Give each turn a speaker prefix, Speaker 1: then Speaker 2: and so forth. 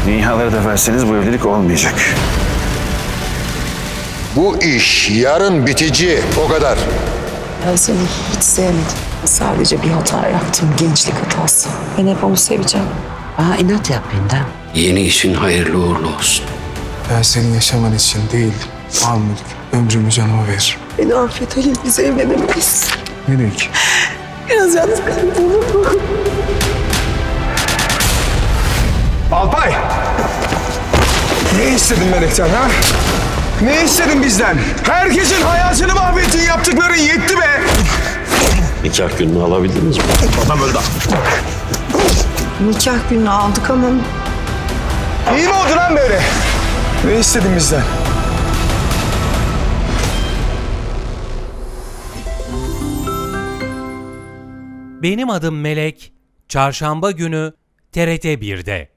Speaker 1: Dünyaları da verseniz bu evlilik olmayacak.
Speaker 2: Bu iş yarın bitici, o kadar.
Speaker 3: Ben seni hiç sevmedim. Sadece bir hata yaptım, gençlik hatası. Ben hep onu seveceğim.
Speaker 4: Bana inat yap Bindem.
Speaker 5: Yeni işin hayırlı uğurlu olsun.
Speaker 6: Ben senin yaşaman için değil, mal mülk, ömrümü canıma veririm.
Speaker 3: Beni affet Halil, biz evlenemeyiz.
Speaker 6: Nereye ki?
Speaker 3: Biraz yalnız kalın, olur mu?
Speaker 6: Alpay! Ne istedin Melek'ten ha? Ne istedin bizden? Herkesin hayatını mahvettin, yaptıkların yetti be!
Speaker 5: Nikah gününü alabildiniz mi?
Speaker 3: Nikah günü aldık ama
Speaker 6: İyi mi oldu lan böyle? Ne istedin bizden?
Speaker 7: Benim adım Melek, Çarşamba günü TRT 1'de.